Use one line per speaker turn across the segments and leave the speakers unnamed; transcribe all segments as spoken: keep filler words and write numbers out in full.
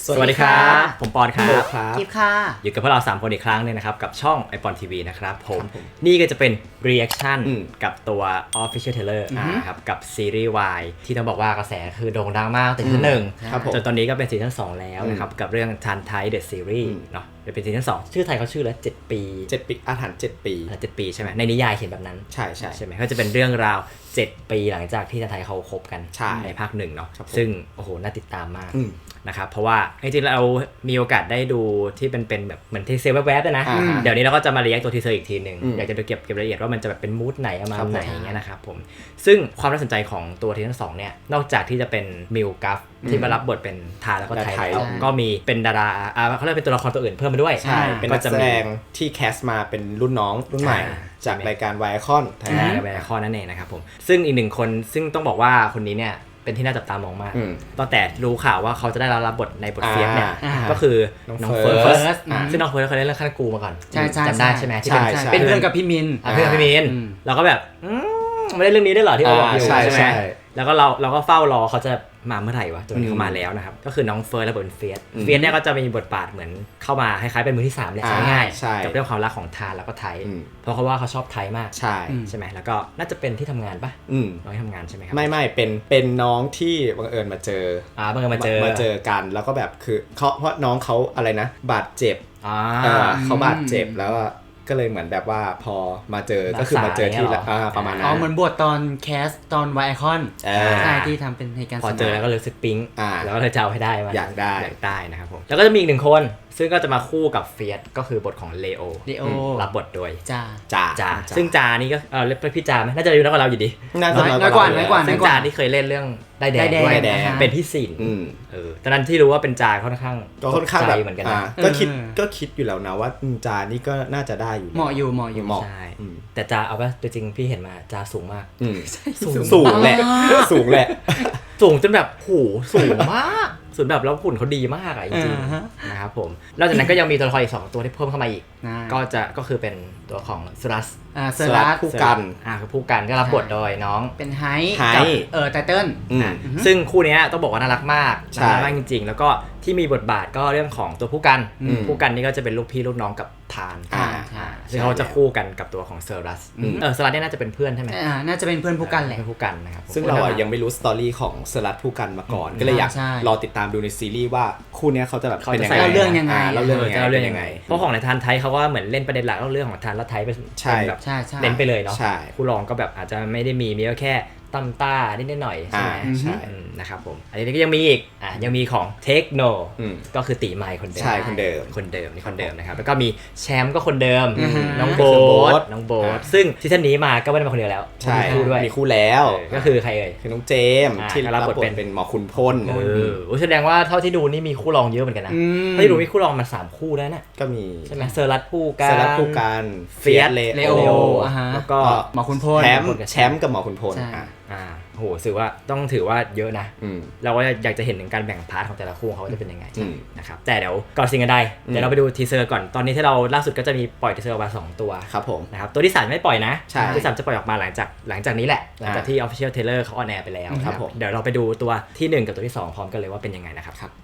สวัสดีครับผมปอนครับ
กิฟค่ะ
อยู่กับพวกเราสามคนอีกครั้งนึงนะครับกับช่อง ไอปอน ที วี นะครับผมนี่ก็จะเป็น reaction กับตัว official trailer นะครับกับซีรีส์ วาย ที่ต้องบอกว่ากระแสคือโด่งดังมากตั้งแต่ซีซั่นหนึ่งจนตอนนี้ก็เป็นซีซั่นสองแล้วนะครับกับเรื่อง Tan Thai The Series เนาะเป็นซีซั่นสองชื่อไทยเขาชื่อแล้วเจ็ดปี
เจ็ดปีอาถรรพ์เจ็ดปี
เจ็ดปีใช่ไหมในนิยายเขียนแบบนั้น
ใช่ใช่
ใช่ไหมก็จะเป็นเรื่องราวเจ็ดปีหลังจากที่ทันไทยเขาคบกันในภาคหนึ่งเนาะซึ่งโอ้โหน่าติดตามมากนะครับเพราะว่าจริงๆเรามีโอกาสได้ดูที่เป็นเป็นแบบเหมือนทีเซอร์แวบๆนะเดี๋ยวนี้เราก็จะมาเรียกตัวทีเซอร์อีกทีหนึ่งอยากจะไปเก็บเก็บรายละเอียดว่ามันจะแบบเป็นมูดไหนประมาณไหนอย่างเงี้ยนะครับผมซึ่งความน่าสนใจของตัวทีทั้งสองเนี่ยนอกจากที่จะเป็นมิลกัฟที่มารับบทเป็นทาแล้วก็ไทยแล้วก็มีเป็นดาราอ่าเขาเรียกเป็นตัวละครตัวอื่นเพิ่มมาด้วย
ใช่เป็นนักแสดงที่แคสมาเป็นรุ่นน้องรุ่นใหม่จากรายการไวคอนไทยแลนด์
ไวคอนนั่นเองนะครับผมซึ่งอีกหนึ่งคนซึ่งต้องบอกว่าคนนี้เนี่ยเป็นที่น่าจับตามองมากตั้งแต่รู้ข่าวว่าเขาจะได้รับบทในบทเฟียสเนี่ยก็คือน้องเฟิร์สซึ่งน้องเฟิร์สเขาเล่นเรื่องขั้นกูมาก่อนจำได้ใช่ไหมที่
เป็นเพื่อนกับพี่มิน
เพื่อนกับพี่มินเราก็แบบไม่ได้เรื่องนี้ได้หรอที่เราบอกอยู่ใช่ไหมแล้วก็เราเราก็เฝ้ารอเขาจะมาเมื่อไหร่วะจนเขามาแล้วนะครับก็คือน้องเฟิร์สและบทเฟียสเฟียสเนี่ยก็จะมีบทบาทเหมือนเข้ามาคล้ายๆเป็นมือที่สามแหละง่ายๆกับเรื่องความรักของทานแล้วก็ไทยเพราะเขาว่าเขาชอบไทยมาก
ใช่
ใช่ไหมแล้วก็น่าจะเป็นที่ทำงานปะน้องที่ทำงานใช่ไหมครับ
ไม่ไม่เป็นเป็นน้องที่บังเอิญมาเจอ
อ่าบังเอิญมาเจอ
มาเจอกันแล้วก็แบบคือเขาเพราะน้องเขาอะไรนะบาดเจ็บเขาบาดเจ็บแล้วก็เลยเหมือนแบบว่าพอมาเจอก็คือมาเจอที่ประมาณนั้น
อ๋อเหมือนบทตอนแคสตอนไวไอคอนใช่ที่ทำเป็นเหตุการณ์
พอเจอแล้วก็เลยรู้สึกปิ๊งแล้วก็เลยจะเอาให้ได้มา
อยากได้
อยากได้นะครับผมแล้วก็จะมีอีกหนึ่งคนซึ่งก็จะมาคู่กับเฟียสก็คือบทของเลโอ
เลโอ
รับบทโดย
จ่า
จ่าจ่าซึ่งจ่านี่ก็เออเรียกพี่จ่าไหมน่าจะอายุน้อยกว่าเราอยู่ดี
น้อยกว่าน้อยกว่า
ซึ่งจ่าที่เคยเล่นเรื่องได้แดงด้วยเป็นพี่สินเออตอนนั้นที่รู้ว่าเป็นจ่าค่อนข้าง
ก็ค่อนข้างแบบ
เหมือนกันนะ
ก็คิดก็คิดอยู่แล้วนะว่าจ่านี่ก็น่าจะได้อยู่
เหมาะอยู่เหมาะอยู่
ใช่แต่จ่าเอาป่ะตัวจริงพี่เห็นมาจ่าสูงมาก
สูงแหละสูงแหละ
สูงจนแบบโหสูงมากส่วนแบบแล้วหุ่นเขาดีมากอ่ะจริงๆนะครับผมนอกจากนั้นก็ยังมีตัวละครอีกสองตัวที่เพิ่มเข้ามาอีกก็จะก็คือเป็นตัวของสุรัส
อ่าสุรัส
ผู้กัน
อ่าคือผู้กันก็รับบทโดยน้อง
เป็นไฮกับเออไตเติ้ล
ซึ่งคู่นี้ต้องบอกว่าน่ารักมากน่ารักมากจริงๆแล้วก็ที่มีบทบาทก็เรื่องของตัวผู้กันผู้กันนี่ก็จะเป็นลูกพี่ลูกน้องกับทานซึ่งเขาจะคู่กันกับตัวของเซอรัสเออเซอรัสเนี่ยน่าจะเป็นเพื่อนใช่ไหม
อ่าน่าจะเป็นเพื่อนผู้กันแหละ
ผู้กันนะครับ
ซึ่งเราอ่ะยังไม่รู้สตอรี่ของเซอรัสผู้กันมาก่อนก็เลยอยากรอติดตามดูในซีรีส์ว่าคู่นี้เขาจะแบบ
เป็นยังไงเล่าเรื่องยังไง
เล่าเรื่อง
เรื่องยังไงเพราะของในทานไทยเขาก็เหมือนเล่นประเด็นหลักเล่าเรื่องของทานแล้วไทยเป็นแบบเน้นไปเลยเนาะคู่รองก็แบบอาจจะไม่ได้มีมีแค่ตั้มต้านิดหน่อยใช่ไหมใช่นะครับผมอันนี้ก็ยังมีอีกอ่ะยังมีของเทคโนก็คือตีไมค์คนเดิม
ใช่คนเดิม
คนเดิมนี่คนเดิมนะครับแล้วก็มีแชมป์ก็คนเดิมน้องโบ๊ทน้องโบ๊ทซึ่งซีซั่นนี้มาก็ไม่ได้มาคนเดียวแล้ว
มีคู่ด้วยมีคู่แล้ว
ก็คือใครเอ่ย
คือน้องเจมที่รับบทเป็นเป็นหมอคุณพล
เออแสดงว่าเท่าที่ดูนี่มีคู่รองเยอะเหมือนกันนะเท่าที่ดูมีคู่รองมันสามคู่แล้วนะ
ก็มี
ใช่ไหมเซอร์รัสคู่กัน
เซอร์รัสคู่กัน
เฟียส
เลโอ
แล้วก็
หมอคุณพล
แชมป์แชมป์กับหมอคุณพล
อ่าโหถือว่าต้องถือว่าเยอะนะเราก็อยากจะเห็นถึงการแบ่งพาร์ทของแต่ละคู่เขาจะเป็นยังไงนะครับแต่เดี๋ยวก่อนสิ่งอื่นใดเดี๋ยวเราไปดูทีเซอร์ก่อนตอนนี้ที่เราล่าสุดก็จะมีปล่อยทีเซอร์ออกมาสองตัว
ครับผม
นะครับตัวที่สามไม่ปล่อยนะตัวที่สามจะปล่อยออกมาหลังจากหลังจากนี้แหละหลังจากที่ Official Trailer เขาออนแอร์ไปแล้วครับผมเดี๋ยวเราไปดูตัวที่หนึ่งกับตัวที่สองพร้อมกันเลยว่าเป็นยังไงนะครับครับ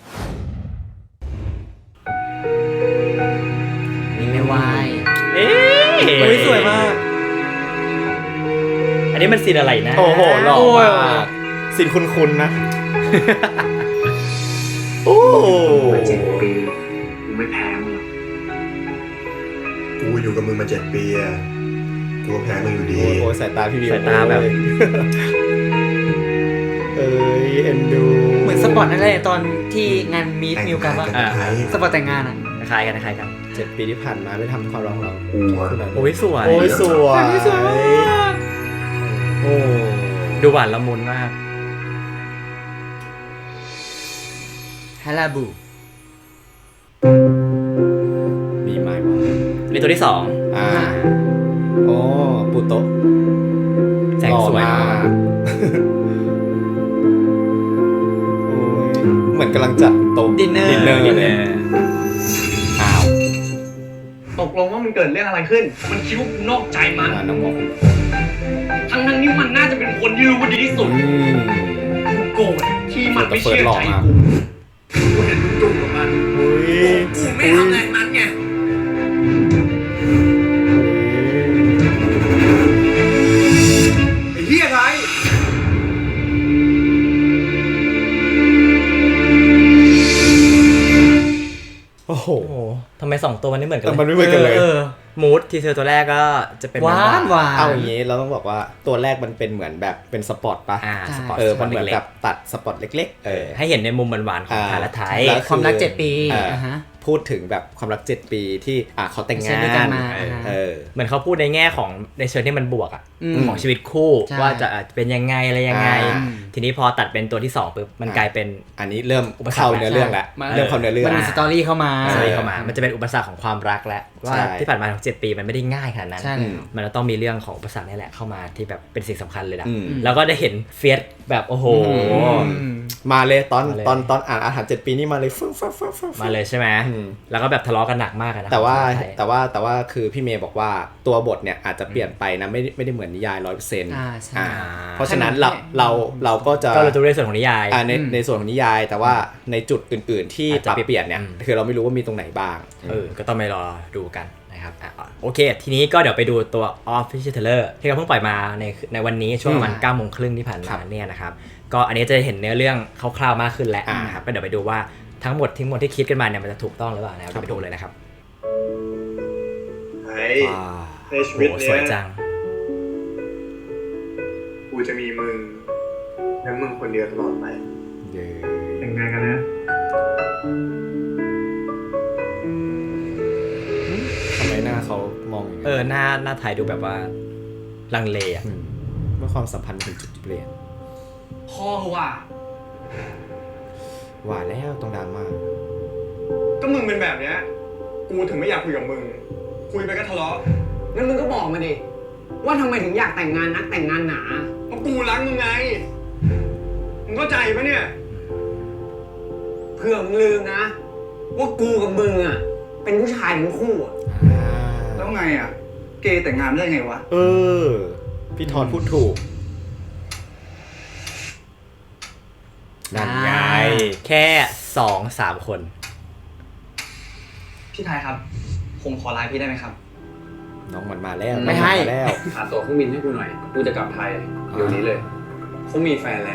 มีไม่วาย
เอ๊ะ
สวยมาก
อันนี้มันซีนอะไรนะ
โอ้โหหล่อมากซีนคุ้นๆนะโอ้
มาเจ็ดปีกูไม่แพ้มึง
กูอยู่กับมึงมาเจ็ดปีอะกูแพ้มึงอยู่ดี
โอ้สายตาพี่วิว
สายตาแบบ
เอ้ยเอ็นดู
เหมือนสปอร์ตนั่นแหละตอนที่งานมีดมิวกันว่าสปอร์ตแต่งงานอ่ะ
คล้ายกันคล้ายกัน
เจ็ดปีที่ผ่านมาได้ทำความรักเรา
โอ้ยสวย
โอ้ยสวย
โอ้ดูหวานละมุนมาก
ฮาราบู
มีไหมวะ
นี่ตัวที่สอง
อ่าโอ้ปูโตะ
แสงสวยมาก
เหมือนกำลังจัดโต๊ะ
ดินเนอร์
ดินเนอร์เลยอ้าว
ตกลงว่ามันเกิดเรื่องอะไรขึ้นมันคิดว่ากูนอกใจมัน
น้องบอก
ทั้งนั้นนี่มันน่าจะเป็นคนที่รู้ว่าดีที่สุดกูโกรธที่มันไม่เชื่อใจกูกูเห็นมึงจุ่มกับมันกูไม่ทำแรงนั้นไงไอ้เหี้ยไร
โอ้โห
โอ้โหทำไมสองตัวมันไม่เหมือนกัน
มันไม่เหมือนกันเลย
มูดทีเซอร์ตัวแรกก็จะเป็น
หวานหวาน
เอาอย่างนี้เราต้องบอกว่าตัวแรกมันเป็นเหมือนแบบเป็นสปอร์ตป่ะ
อ่าสปอร์ต
เออ
สป
มั
อน ร์ต
เหมือน
เล็
แบ
ก
บตัดสปอร์ตเล็กๆ เออ
ๆให้เห็นในมุมหวานๆของ
อ่า
พาราไทย
แล้ว
ความรักเจ็ดปี
อ่า
อ่าฮะ
พูดถึงแบบความรักเจ็ดปีที่อ่ะเขาแต่ง
ใช้
งา
ด้วยกัน
น
มา
เออ
อ่า
เออ
เหมือนเขาพูดในแง่ของในเชิงที่มันบวกอ่ะ
อืม
ของชีวิตคู่
ใช่
ว่าจะอ่ะเป็นยังไงอะไรยังไง
อ่า
ทีนี้พอตัดเป็นตัวที่สองปุ๊บมันกลายเป็น
อันนี้เริ่ม
อุปสรรค
เข้าเนื้อเรื่องแล้ว
มัน
เริ่มเข้าเนื้อเรื่อง
มันมีสตอรี่เข้ามา
สตอรี่เข้ามา มันจะเป็นอุปสรรคของความรักแล้วว่า
ใช่
ที่ผ่านมาของเจ็ดปีมันไม่ได้ง่ายขนาดนั้น
ใช่
อืม
มันจะต้องมีเรื่องของอุปสรรคนี่แหละเข้ามาที่แบบเป็นสิ่งสำคัญเลยนะ
อืม
แล้วก็ได้เห็นเฟียสแบบโอ้โห
อืม
มาเลยตอน
มาเลย
ตอนตอนอ่านอาหารเจ็ดปีนี่มาเลยฟึ่งฟึ่งฟึ่งฟึ่ง
มาเลยใช่ไหม
อืม
แล้วก็แบบทะเลาะกันหนักมากอะนะ
แต่ว่า
ของไทย
แต่ว่าแต่ว่าคือพี่เมย์บอกว่าตัวบทเนี่ยอาจจะเปลี่ยนไปนะไม่ได้ไม่ได้เหมือนนิยายร้อยเปอร์เซ็นต์
อ่าใช่
เพราะฉะนั้นเราเราเราก็จะ
ก็เราจะเรียนส่วนของนิยาย
อ่าใน
อืม
ในส่วนของนิยาย แต่ว่าในจุดอื่น ๆ ที่
อาจ
ป
จะ
รับเปลี่ยนเนี่ย
อืม
คือเราไม่รู้ว่ามีตรงไหนบ้าง
เออ ก็ต้องไปรอดูกันนะครับอ่ะโอเค ทีนี้ก็เดี๋ยวไปดูตัว Official Trailer ที่เขาเพิ่งปล่อยมาในในวันนี้ช่วงประมาณ
อืม
เก้าโมงครึ่งที่ผ่าน
ครั
มา
บ
เนี่ยนะครับ ก็อันนี้จะเห็นเนื้อเรื่องคร่าวๆมากขึ้นแล้ว
อ่าน
นะครับ ก็เดี๋ยวไปดูว่าทั้งหมดทั้งหมดที่คิดกันมาเนี่ยมันจะถูกต้องหรือเปล่านะครับ
ครับ
ไปดูเลยนะครับ
ไอ้
ว้าว
ในชีวิต
โอ้
เนี้
สวย
ย
จัง
กูจะมีมึงและมึงคนเดียวตลอดไป
เย้
แต่งงานกันนะ
ทำไมหน้าเขามองอย่าง
เอ
นั้น
อ หน้าหน้าไทยดูแบบว่าลังเลอะ
มเมื่อความสัมพันธ์ถึงจุดเปลี่ยน
พ่อว่ะ
ว่าแล้วตรงดราม่า
ก็มึงเป็นแบบเนี้ย กูถึงไม่อยากคุยกับมึง คุยไปก็ทะเลาะ
งั้นมึงก็บอกมาดิว่าทำไมถึงอยากแต่งงานนักแต่งงานหนา
เพราะกูรักมึงไง มึงเข้าใจปะเนี่ย
เพื่อมึงลืมนะ ว่ากูกับมึงอ่ะเป็นผู้ชายทั้งคู่อ่ะ
แล้วไงอ่ะ เกย์แต่งงานได้ไงวะ
เออ พี่ทอนพูดถูก นั่นไง
แค่สองสามคน
พี่ไทยครับ ผมขอไลน์พี่ได้ไหมครับ
น้องมันมาแล้ว
ไม่ให้
น้องนมาแล้ว
หาตั๋วเครื่องบินให้กูหน่อย กูจะกลับไทยเดี๋ยวนี้เลย
เขามีแฟนแล้ว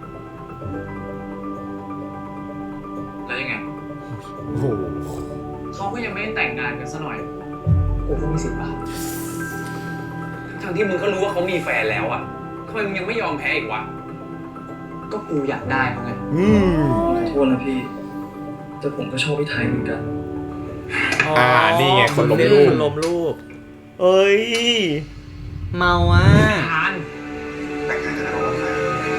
แล้วยังไง
โอ้โห
เขาก็ยังไม่ได้แต่งงานกันซะหน่อย
กูก็มีสิทธิ์ป่ะ
ทั้งที่มึงก็รู้ว่าเขามีแฟนแล้วอ่ะทำไมมึงยังไม่ยอมแพ้อีกวะ
ก็กูอยากได้เขาไง
อืม
ขอโทษนะพี่ แต่ผมก็ชอบพี่ไทยเหมือนกัน
อ่า นี่ไงคนล้ม
ลู
ลู
ก
ก
ล้มลูก
เอ้ย
เมาอ่ะ
ทาน
แต่งงานกันแล้วเราไทย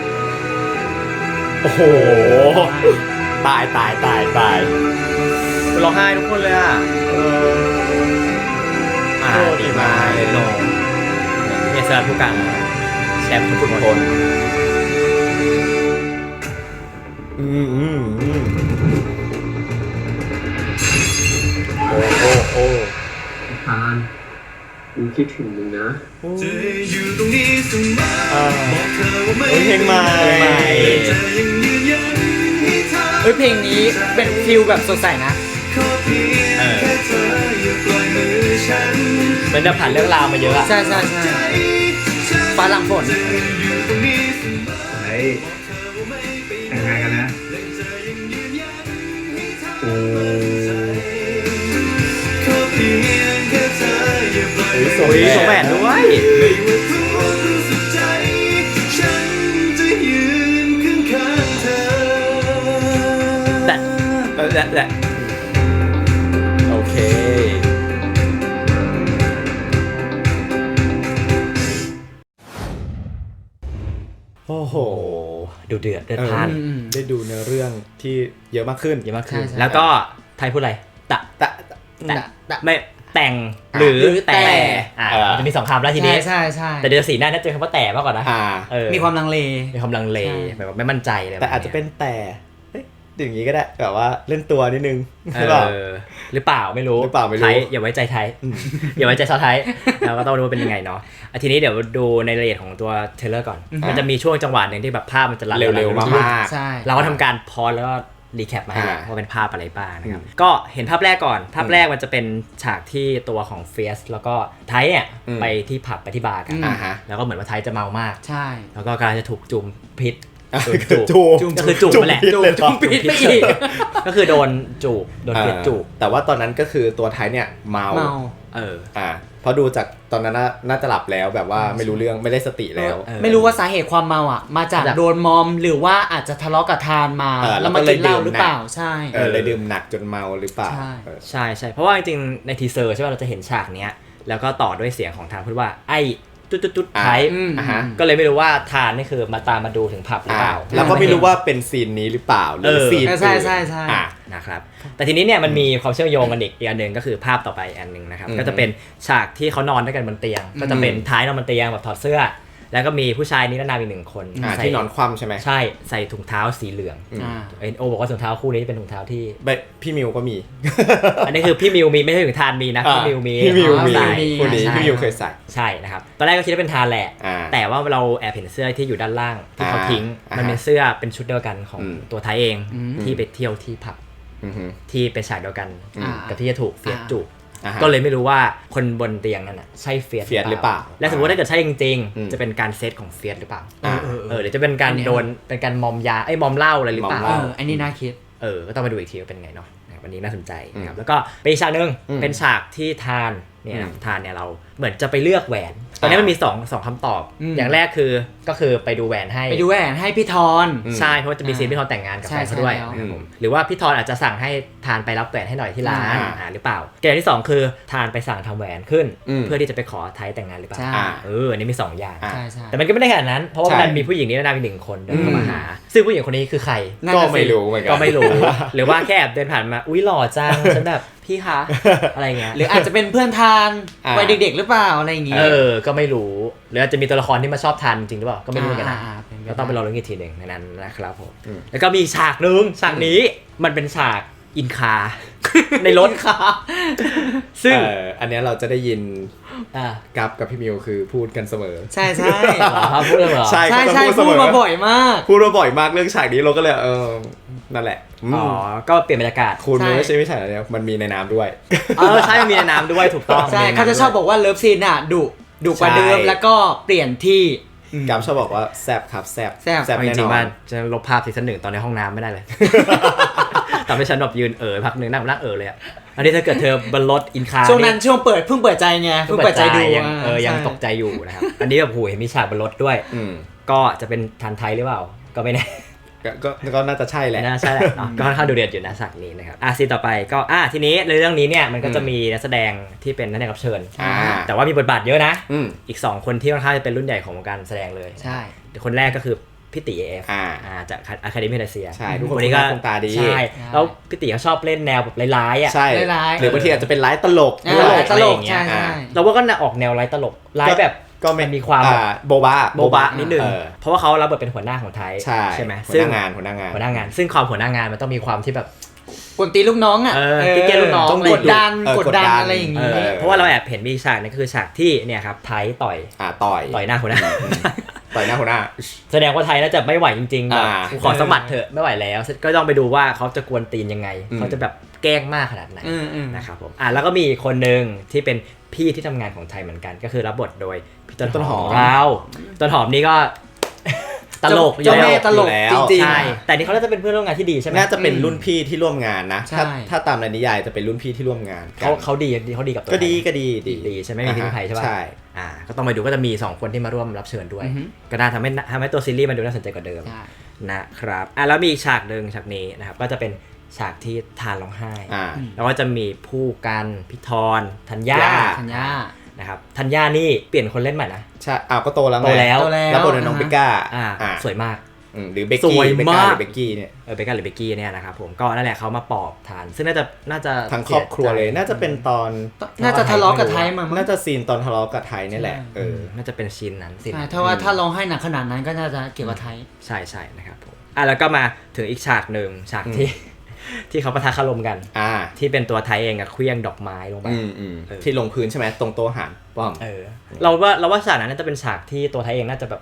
โอ้โห ตายตายตายตาย
ร้องไห้ทุกคนเลยอ่ะ
เออ
อ่าดีมากเลยโนเนี่ยสลัดผู้กันแชมป์ทุกคน
อืมอืมอืมโอ้โอ้โอ้
ทานกูคิดถึงมึงนะ
จะอยู่ตรงนี้เสมอ
อ่า
บอกเธอว่าไม่
เฮ้ยเพลงใหม่
จะยังยืนยันให้เธอ
เฮ้ยเพลงนี้เป็นฟิลแบบสดใสนะ
ขอเพียงแค่เธออย่าปล่อยมือฉัน
มันจะผ่านเรื่องราวมาเยอะอะ
ใช่ใช่ใช่ฟ้าหลังฝน
อยู่ตรงนี้เสมอเฮ้ยแต่งงานกันนะโอ้ขอเพียงแค่เธออย่าปล่อย
สวยสวยแหวนด้วย
ไม่ว่าทุกรู้สึกใจ ฉันจะยืนข้างๆเธอ
แต่แต่แต่
โอเค โอ้โห
ดูเดือดเดือด
เออ
พล่าน
อืม
ได้ดูเนื้อเรื่องที่เยอะมากขึ้น
เยอะมากขึ้น
ใช่ใช่
แล้วก็ไทยพูดอะไรตะ
แต่
แต่
แต่
ไม่แต่งหรือ
หรือแต่
แต่อ่า
เออ
มันจะมีสองคำแล้วที
ใช่
นี้
ใช่ใช่
แต่เดี๋ยวสีหน้าน่าจะเป็นคำว่าแต่มากกว่านะ
อ่า
เออ
มีความลังเล
มีความลังเล
ใช่
แบบว่าไม่มั่นใจเลย
แต่อาจจะเป็นแต่เฮ้ยอย่างนี้ก็ได้แบบว่าเล่นตัวนิดนึง
เอ
ใช่เปล่า
อหรือเปล่าไม่รู้
หรือเปล่าไม่รู้
ไทยอย่าไว้ใจไทย อย่าไว้ใจชาวไทย เราก็ต้องดูว่าเป็นยังไงเนาะอ่ะทีนี้เดี๋ยวดูในรายละเอียดของตัวเทรลเลอร์ก่อน มันจะมีช่วงจังหวะหนึ่งที่แบบภาพมันจะลัด
เร็วๆมาก
ใช่
เราก็ทำการพอสแล้วก็รีแคปมาให้ว่าเป็นภาพอะไรบ้างนะครับก็เห็นภาพแรกก่อนภาพแรกมันจะเป็นฉากที่ตัวของเฟียสแล้วก็ไทยเนี่ยไปที่ผับไปที่บาร์กันแล้วก็เหมือนว่าไทยจะเมามาก
ใช่
แล้วก็กำลังจะถูกจุ่มพิษ
จูบ
ก็คือจูบแหละ
จุ่มพิษไปอีก
ก็คือโดนจูบโดนพิษจูบ
แต่ว่าตอนนั้นก็คือตัวไทยเนี่ยเมา
เออ
อ่าเพราะดูจากตอนนั้นน่าจะหลับแล้วแบบว่าไม่รู้เรื่องไม่ได้สติแล้ว
ไม่รู้ว่าสาเหตุความเมาอ่ะมาจากโดนมอมหรือว่าอาจจะทะเลาะกับทานมาแล้วมากินเหล้าหรือเปล่าใช่
เออเลยดื่มหนักจนเมาหรือเปล่า
ใช่ใช่เพราะว่าจริงๆในทีเซอร์ใช่ป่ะเราจะเห็นฉากเนี้ยแล้วก็ต่อด้วยเสียงของทานพูดว่าไอ้ตุ๊ดๆๆไทยก็เลยไม่รู้ว่าทานนี่คือมาตามมาดูถึงผับหรือเปล่า
แล้วก็ไม่รู้ว่าเป็นซีนนี้หรือเปล่าหรือซีน
ใช่ใช่ใช่
นะครับแต่ทีนี้เนี่ยมันมีความเชื่อมโยงกันอีกอันหนึ่งก็คือภาพต่อไปอันหนึ่งนะครับก็จะเป็นฉากที่เขานอนด้วยกันบนเตียงก็จะเป็นท้ายนอนบนเตียงแบบถอดเสื้อแล้วก็มีผู้ชายนิรนามอีกหนึ่งคน
ที่นอนคว่ำใช่ไหม
ใช่ใส่ถุงเท้าสีเหลืองโอบอกว่าถุงเท้าคู่นี้เป็นถุงเท้าที่
พี่มิวก็มี
อันนี้คือพี่มิวมีไม่ใช่ถุงทานมีนะพี่มิวมี
พี่มิวมีคนนี้พี่มิวเคยใส่
ใช่นะครับตอนแรกก็คิดว่าเป็นทานแหละแต่ว่าเราแอบเห็นเสื้อที่อยู่ด้านล่างที่เขาทิ้งมันเป็นเสื้อเป็นชุดเดียวกันของตัวไทยเองที่ไปเที่ยวที่ผับที่เป็นฉากเดียวกันกับที่จะถูกเฟียสจูบก็เลยไม่รู้ว่าคนบนเตียงนั่นน่ะใช่เฟียส
หรือเปล่า
และสมมติว่าถ้าเกิดใช่จริงๆจะเป็นการเซตของเฟียสหรือเปล่าเออหรือจะเป็นการโดนเป็นการมอมยาไอ้มอมเหล้าอะไรหรือเปล่า
เอออันนี้น่าคิด
เออก็ต้องไปดูอีกทีว่าเป็นไงเนาะวันนี้น่าสนใจนะครับแล้วก็เป็นฉากนึงเป็นฉากที่ทานเนี่ยทานเนี่ยเราเหมือนจะไปเลือกแหวนตอนนี้มันมี2 2คำตอบอย่างแรกคือก็คือไปดูแหวนให้
ไปดูแหวนให้พี่ทอน
ใช่เพราะจะมีซีนพี่ทอนแต่งงานกับแฟนเขาด้วยหรือว่าพี่ทอนอาจจะสั่งให้ทานไปรับแหวนให้หน่อยที่ร้านอ่าหรือเปล่าเกมที่สองคือทานไปสั่งทำแหวนขึ้นเพื่อที่จะไปขอไทยแต่งงานหรือเปล่าเอออันนี้มีสองอย่างแต่มันก็ไม่ได้ขนาดนั้นเพราะว่ามันมีผู้หญิงนี้นามอีกหนึ่งคนเดินเข้ามาหาซึ่งผู้หญิงคนนี้คือใคร
ก็ไม่รู้เหมือนกัน
ก็ไม่รู้หรือว่าแค่แอบเดินผ่านมาอุ้ยหล่อจังฉันแบบพี่คะอะไรเงี้ย
หรืออาจจะเป็นเพื่อนทานวัยเด็กๆหรือเปล่าอะไรอย่างงี้
เออก็ไม่รู้หรืออาจจะมีตัวละครที่มาชอบทานจริงหรือเปล่าก็ไม่รู้กันนะก็ต้องไปรอรุ้นอีกทีหนึ่งในนั้นนะครับผมแล้วก็มีฉากนึงฉากนี้มันเป็นฉากอินคาในรถค่ะ
ซึ่งอันนี้เราจะได้ยินกับกับพี่มิวคือพูดกันเสมอ
ใช่ใช่
พูดเลยเหรอ
ใช่ใช่พูดมาบ่อยมาก
พูดมาบ่อยมากเรื่องฉากนี้เราก็เลยเออนั่นแหละ
อ๋อก็เปลี่ยนบรรยากาศ
คุณไม่ใช่ไม่ใช่แล้วมันมีในน้ำด้วย
เออใช่มันมีในน้ำด้วยถูกต้อง
ใช่เขาจะชอบบอกว่าเลิฟซีนอ่ะดุดุกว่าเดิมแล้วก็เปลี่ยนที่
กับชอบบอกว่าแซบครับแซบ
แซบ
แซบจริงๆมันจะลบภาพซีซั่นหนึ่งตอนในห้องน้ำไม่ได้เลยทำให้ฉันแบบยืนเอ๋อพักหนึ่งนั่งนั่งเอ๋อเลยอ่ะอันนี้ถ้าเกิดเธอบนรถอินคา
ช่วงนั้นช่วงเปิดเพิ่งเปิดใจไงเพิ่งเปิดใจดู
ยังเออยังตกใจอยู่นะครับอันนี้แบบโหเห็นมีฉากบนรถด้วยก็จะเป็นทันไทยหรือเปล่าก็ไม่แน่
ก็ก็น่าจะใช่แหละ
น่าใช่แหละก็ค่อนข้างดูเดือดอยู่นะฉากนี้นะครับอ่ะซีนต่อไปก็อ่ะทีนี้ในเรื่องนี้เนี่ยมันก็จะมีนักแสดงที่เป็นนักแสดงรับเชิญแต่ว่ามีบทบาทเยอะนะอีกสองคนที่ค่อนข้างจะเป็นรุ่นใหญ่ของวงการแสดงเลย
ใช่
คนแรกก็คือพี่ตี เอ เอฟ
อ่า
จากอะคาเดมี่เอเชีย
ใช่ทุกคนนี้ก็คงตาดี
ใช่แล้วพี่ตีเขาชอบเล่นแนวแบบร้ายๆอ่ะ
ใช่หรือบางทีอาจจะเป็นร้ายตลก
ตลกใช่
เราว่าก็ออกแนวร้ายตลกร้ายแบบ
ก็
มันมีความ
โบบะ
โบบะนิดนึงเพราะว่าเขารับบทเป็นหัวหน้าของไทยใช่ไหม
หัวหน้างานหัวหน้างาน
หัวหน้างานซึ่งความหัวหน้างานมันต้องมีความที่แบบ
กดตีลูกน้องอ่ะ
ที่เกลูกน้อง
กดดันกดดันอะไรอย่างงี้
เพราะว่าเราแอบเห็นมีฉากนี่คือฉากที่เนี่ยครับไทยต่อย
อ่าต่อย
ต่อยหน้าหัวหน้า
ต่อยหน้าหัวหน้า
แสดงว่าไทยน่าจะไม่ไหวจริงๆแบบขอสมัครเถอะไม่ไหวแล้วก็ต้องไปดูว่าเขาจะกวนตีนยังไงเขาจะแบบแกล้งมากขนาดไหนนะครับผมอ่ะแล้วก็มีคนนึงที่เป็นพี่ที่ทำงานของไทยเหมือนกันก็คือรับบทโดยพี่ต้นหอมเราต้นหอมนี่ก็ตลก
อยู่แล้วตลกจริงๆ
ใช่แต่นี่เขาน่าจะเป็นเพื่อนร่วมงานที่ดีใช่ไหม
น่าจะเป็นรุ่นพี่ที่ร่วมงานนะถ้าถ้าตามในนิยายจะเป็นรุ่นพี่ที่ร่วมงาน
เขาเขาดีเขาดีกับตัว
ก็ดีก็ดี
ดีใช่ไหมมีที่ไทยใช่ป่ะ
ใช่
อ่าก็ต้องไปดูก็จะมีสองคนที่มาร่วมรับเชิญด้วยก็น่าทำให้ทำให้ตัวซีรีส์มันดูน่าสนใจกว่าเดิมนะครับอ่ะแล้วมีอีกฉากนึงฉากนี้นะครับก็จะเป็นฉากที่ทานร้องไห้แล้วก็จะมีผู้กันพี่ทอนธัญญา
ธัญญา
นะครับธัญญานี่เปลี่ยนคนเล่นใหม่นะ
ใช่อ้าวก็โตแล้ว
โตแล้ว
แล้วบทน้องเบก้า
อ่าสวยมาก
หรือเบกกี้เบกก้าหรือเบกกี้เนี่ย
เออเบกก้าหรือเบกกี้เนี่ยนะครับผมก็นั่นแหละเขามาปอบทานซึ่งน่าจะน่าจะ
ทั้งครอบครัวเลยน่าจะเป็นตอน
น่าจะทะเลาะกับไทยมา
น่าจะซีนตอนทะเลาะกับไทยนี่แหละเออ
น่าจะเป็นซีนนั้นซีน
ถ้าว่าถ้าร้องให้หนักขนาดนั้นก็น่าจะเกี่ยวกับไทย
ใช่ใช่นะครับผมอ่ะแล้วก็มาถึงอีกฉากหนึ่งฉากที่ที่เขาปะทะคารมกันที่เป็นตัวไทยเองกับเครื่องดอกไม้ลงไป
ที่ลงพื้นใช่ไหมตรงโต๊ะอาหารป้อม
เออเราว่าเราว่าฉากนั้นน่าจะเป็นฉากที่ตัวไทยเองน่าจะแบบ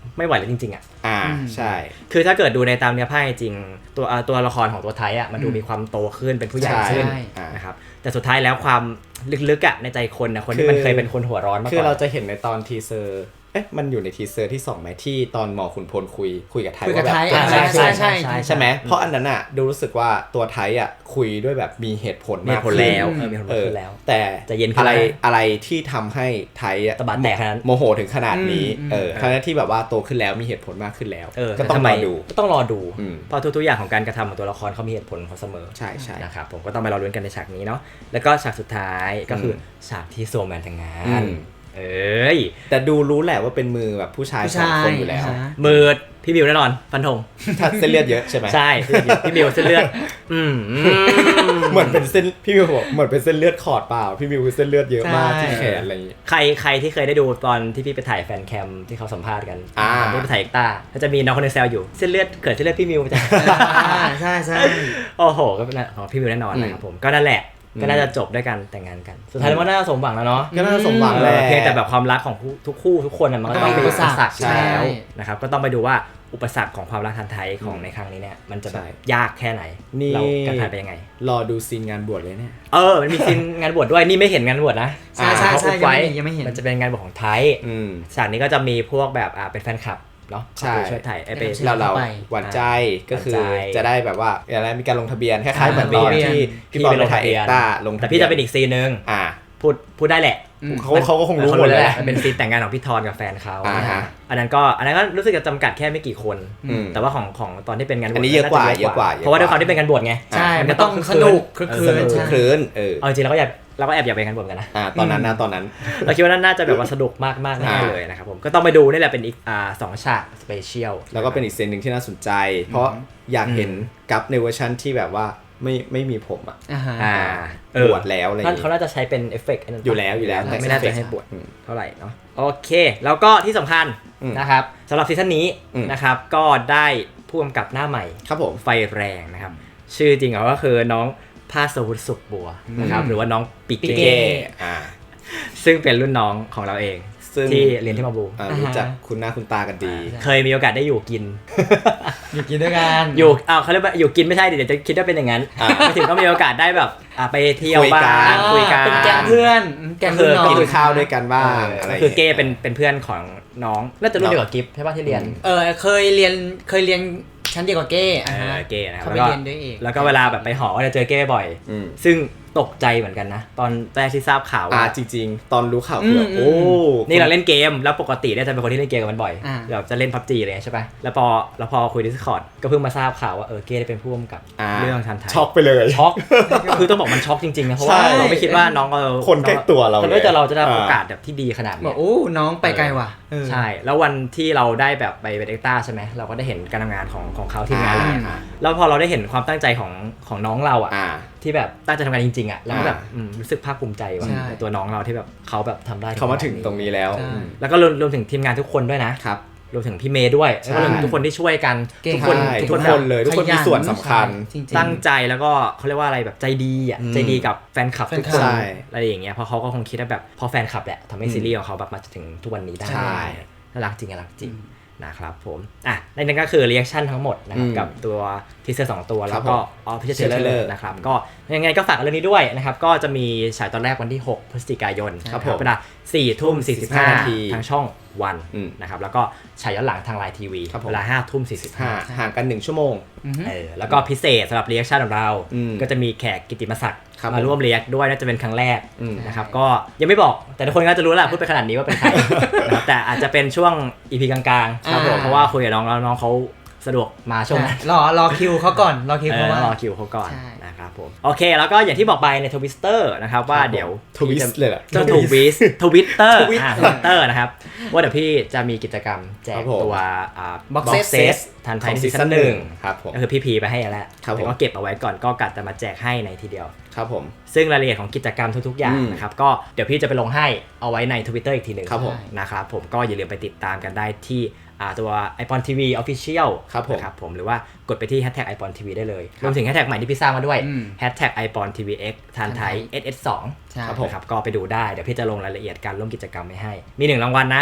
ไม่ไหวแล้วจริงๆอ่ะ
อ่าใช่
คือถ้าเกิดดูในตามเนื้อผ้าจริงตัวตัวละครของตัวไทยอ่ะมันดูมีความโตขึ้นเป็นผู้ใหญ่ขึ้นนะครับแต่สุดท้ายแล้วความลึกๆอ่ะในใจคนนะคนที่มันเคยเป็นคนหัวร้อนมาก่อน
คือเราจะเห็นในตอนทีเซอร์เอ๊ะมันอยู่ในทีเซอร์ที่สองไหมที่ตอนหมอขุนพลคุยคุยกับไทยว่าแบบ
ใช่ใช่ใช่
ใช่ไหมเพราะอันนั้นอ่ะดูรู้สึกว่าตัวไทยอ่ะคุยด้วยแบบมีเหตุผลมากขึ้น
แล้วเออมีเหตุผลแล้ว
แต่
จะเย็น
อะไรอะไรที่ทำให้ไทยอ่ะ
ตะบะแตกขนาดนั้น
โมโหถึงขนาดนี้เออขณะที่แบบว่าโตขึ้นแล้วมีเหตุผลมากขึ้นแล้วก็ต้องรอดู
ก็ต้องรอดูเพราะทุกๆอย่างของการกระทำของตัวละครเขามีเหตุผลของเสมอ
ใช่ใช่
นะครับผมก็ต้องไปรอลุ้นกันในฉากนี้เนาะแล้วก็ฉากสุดท้ายก็คือฉากที่โซแมนแต่งงานเอ้ย
แต่ดูรู้แหละว่าเป็นมือแบบผู้ชายสองคนอยู่แล้ว
มือพี่มิวแน่นอนฟันธง
เส้นเลือดเยอะใช่ไหม
ใช่พี่มิวเส้นเลือดอืม
เหมือนเป็นเส้นพี่มิวบอกเหมือนเป็นเส้นเลือดขอดเปล่าพี่มิวคือเส้นเลือดเยอะมากที่แขนอะไรอย่างงี้
ใครใครที่เคยได้ดูตอนที่พี่ไปถ่ายแฟนแคมที่เขาสัมภาษณ์กันที่ไปถ่ายเอ็กต้าก็จะมีน้องคนนึงแซวอยู่เส้นเลือดเกิดเส้นเลือดพี่มิวจ้ะ
ใช่ใช่
โอ้โหก็เป็นของพี่มิวแน่นอนนะครับผมก็นั่นแหละก็น่าจะจบด้วยกันแต่งงานกันสุดท้ายแล้วก็น่าจะสมหวังแล้วเนาะ
ก็น่าจะสมหวังแล้ว
เพียงแต่แบบความรักของทุกคู่ทุกคนมันก็ต้องมีอุปสรรคแล้วนะครับก็ต้องไปดูว่าอุปสรรคของความรักทันไทยของในครั้งนี้เนี่ยมันจะแบบยากแค่ไหนเราการผ่านไปยังไง
รอดูซีนงานบวชเลยเนี่ย
เออมันมีซีนงานบวชด้วยนี่ไม่เห็นงานบวชนะ
ใช่ใช่ใช่ยังไม่เห็น
มันจะเป็นงานบวชของไทยฉากนี้ก็จะมีพวกแบบอ่าเป็นแฟนคลับเนาะ
ใช่
ช่วยถ่ายไอ้ไป
เราเราหวานใจก็คือจะได้แบบว่าอะไรมีการลงทะเบียนคล้ายๆเหมือนตอนที่พี่บอลไปถ่ายเอ็กต้าลง
แต่พี่จะเป็นอีกซีนนึง
อ่า
พูดพูดได้แหละ
เขาเขาก็คงรู้หมด
แล้วมันเป็นซีนแต่งงานของพี่ทอนกับแฟนเขาอันนั้นก็อันนั้นก็รู้สึกจะจำกัดแค่ไม่กี่คนแต่ว่าของของตอนที่เป็นงานบวช
อันนี้เยอะกว่าเยอะกว่า
เพราะว่าด้วยความที่เป็นงานบวชไง
ใช่มันต้องสนุกคลึกคลื้น
คลื้นเออ
เอาจริงเราก็อยากเราก็แอบอยากไปงานบวชกันนะ
อ่าตอนนั้นนะตอนนั้น
เราคิดว่าน่าจะแบบว่าสนุกมากมากแน่เลยนะครับผมก็ต้องไปดูนี่แหละเป็นอีกอ่าสองฉากสเปเชียล
แล้วก็เป็นอีกเซนหนึ่งที่น่าสนใจเพราะอยากเห็นกัปในเวอร์ชันที่แบบว่าไม่ไม่มีผมอ่ะ
อ่า
บวชแล้วอะไรอย่าง
เงี้ยเขาน่าจะใช้เป็นเอฟเฟกต์
อยู่แล้วอยู่แล้ว
แต่ไม่น่าจะให้บวชเท่าไหร่เนาะโอเคแล้วก็ที่สำคัญนะครับสำหรับซีซั่นนี้นะครับก็ได้ผู้กำกับหน้าใหม่
ครับผม
ไฟแรงนะครับชื่อจริงเขาก็คือน้องภาสวุฒิสุขบัวนะครับหรือว่าน้องปิเก้ซึ่งเป็นรุ่นน้องของเราเองที่เรียนที่มาบู
รู้จักคุณหน้าคุณตากันดี
เคยมีโอกาสได้อยู่กิน
อยู่กินด้วยกัน
อยู่อ้าวเขาเรียกว่าอยู่กินไม่ใช่เดี๋ยวจะคิดว่าเป็นอย่างนั้นไม่ถึงก็มีโอกาสได้แบบไปเที่ยวบ้างคุยกัน
เป็นแก๊งเพื่อนแก๊งเพื่อน
กินข้าวด้วยกันบ้างอะไร
คือเก้เป็นเป็นเพื่อนของน้องน่าจะรุ่นเดียวกับกิฟใช่ป่ะที่เรียน
เออเคยเรียนเคยเรียนชั้นเดียวกับเก้
เออเก้นะครับ
แล้วก็
แล้วก็เวลาแบบไปหอก็จะเจอเก้บ่อยซึ่งตกใจเหมือนกันนะตอนแรกที่ทราบข่าว
ว่าจริงๆตอนรู้ข่าวคือโอ้
นี่เราเล่นเกมแล้วปกติเนี่ยจะเป็นคนที่เล่นเกมกันมันบ่อยแบบจะเล่น พับจี อะไรใช่ป่ะแล้วพอแล้วพอคุย Discord ก็เพิ่งมาทราบข่าวว่าเออเก้ได้เป็นผู้กำกับเรื่องทันไทย
ช็อกไปเลย
ช็อกคือต้องบอกมันช็อกจริงๆนะเพราะว่าเราไม่คิดว่าน้องเรา
คนใกล้ตัวเรา
เลยแต่เราจะได้โอกาสแบบที่ดีขนาดนี้
โอ้น้องไปไกลว่ะ
ใช่แล้ววันที่เราได้แบบไปเป็นเอ็กต้าใช่ไหมเราก็ได้เห็นการทำงานของของเขาที่งานแล้วพอเราได้เห็นความตั้งใจของของน้องเราอ่ะที่แบบตั้งใจทำงานจริงๆอ่ะแล้วแบบรู้สึกภาคภูมิใจว่าตัวน้องเราที่แบบเขาแบบทำได้
เขามาถึงตรงนี้แล้ว
แล้วก็รวมถึงทีมงานทุกคนด้วยนะครับรวมถึงพี่เมย์ด้วยแล้วก็ทุกคนที่ช่วยกัน
ทุกคนทุกคนเลยทุกคนมีส่วนสำคัญ
ตั้งใจแล้วก็เขาเรียกว่าอะไรแบบใจดีอ่ะใจดีกับแฟนคลับทุกคนอะไรอย่างเงี้ยเพราะเขาก็คงคิดว่าแบบพอแฟนคลับแหละทำให้ซีรีส์ของเขาแบบมาถึงทุกวันนี้ได้น่ารักจริงน่ารักจริงนะครับผมอ่ะนั่นก็คือรีแอคชั่นทั้งหมดนะครับกับตัวทีเซอร์สองตัวแล้วก็ออฟฟิเชียลเทรลเลอร์นะครับก็ยังไงก็ฝากเรื่องนี้ด้วยนะครับก็จะมีฉายตอนแรกวันที่หกพฤศจิกายนครับเวลาสี่ทุ่มสี่สิบห้านาทีทางช่องวันนะครับแล้วก็ฉายย้อนหลังทางไลน์ทีวีเวลาห้าทุ่มสี่สิบห้า
ห่างกันหนึ่งชั่วโมง
เออแล้วก็พิเศษสำหรับรีแอคชั่นของเราก็จะมีแขกกิตติมศักดิ์มาร่วมรีแอคด้วยน่าจะเป็นครั้งแรกนะครับก็ยังไม่บอกแต่ทุกคนก็จะรู้แหละพูดไปขนาดนี้ว่าเป็นใครแต่อาจจะเป็นช่วง อี พี กลางๆครับผมเพราะว่าคุยกับน้องแล้วน้องเขาสะดวกมาช่วงนั้น
รอรอคิวเขาก่อนรอคิวเขา
ว่ารอคิวเขาก่อนนะครับผมโอเคแล้วก็อย่างที่บอกไปใน Twitter นะครับว่าเดี๋ยว
ทวิสเลยเหรอ
จะทวิสทวิตเตอร์อ่า Twitter นะครับว่าเดี๋ยวพี่จะมีกิจกรรมแจกตัวอ่า
บ็อกเซต
ทันไทยซีซั่นหนึ่ง
ครับผม
ก็คือพี่พีไปให้แล้วแต่ก็เก็บเอาไว้ก่อนก็กัดจะมาแจกให้ในทีเดียว
ครับผม
ซึ่งรายละเอียดของกิจกรรมทุกๆอย่างนะครับก็เดี๋ยวพี่จะไปลงให้เอาไว้ใน Twitter อีกทีนึงนะครับผมก็อย่าลืมไปติดตามกันได้ที่ตัว ไอปอน ที วี Official
ครับผม
ครับผมหรือว่ากดไปที่ แฮชแท็ก ไอปอน ที วี ได้เลยรวมถึงแฮชแท็กใหม่ที่พี่สร้างมาด้วย แฮชแท็ก ไอปอน ที วี เอ็กซ์ ทันไทย เอส เอส สอง ครับผมครับก็ไปดูได้เดี๋ยวพี่จะลงรายละเอียดการร่วมกิจกรรมไว้ให้มีหนึ่งรางวัลนะ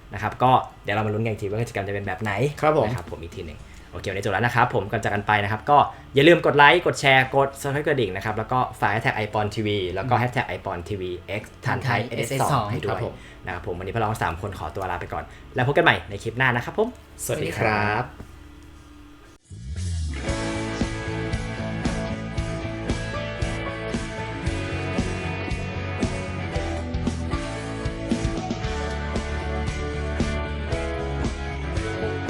นะครับก็เดี๋ยวเรามาลุ้นกันอีกทีว่ากิจกรรมจะเป็นแบบไหน
ครับผม
นะครับผมอีกทีหนึ่งโอเควันนี้จบแล้วนะครับผมก่อนจากกันไปนะครับก็อย่าลืมกดไลค์กดแชร์กด Subscribe กระดิ่งนะครับแล้วก็ฝากแฮชแท็ก ไอ ปอน ที วี แล้วก็แฮชแท็ก ไอ ปอน ที วี เอ็กซ์ ทันไทย เอส เอส สอง ให้ด้วยนะครับผมวันนี้พวกเราทั้งสามคนขอตัวลาไปก่อนแล้วพบกันใหม่ในคลิปหน้านะครับผม
สวัสดีครับ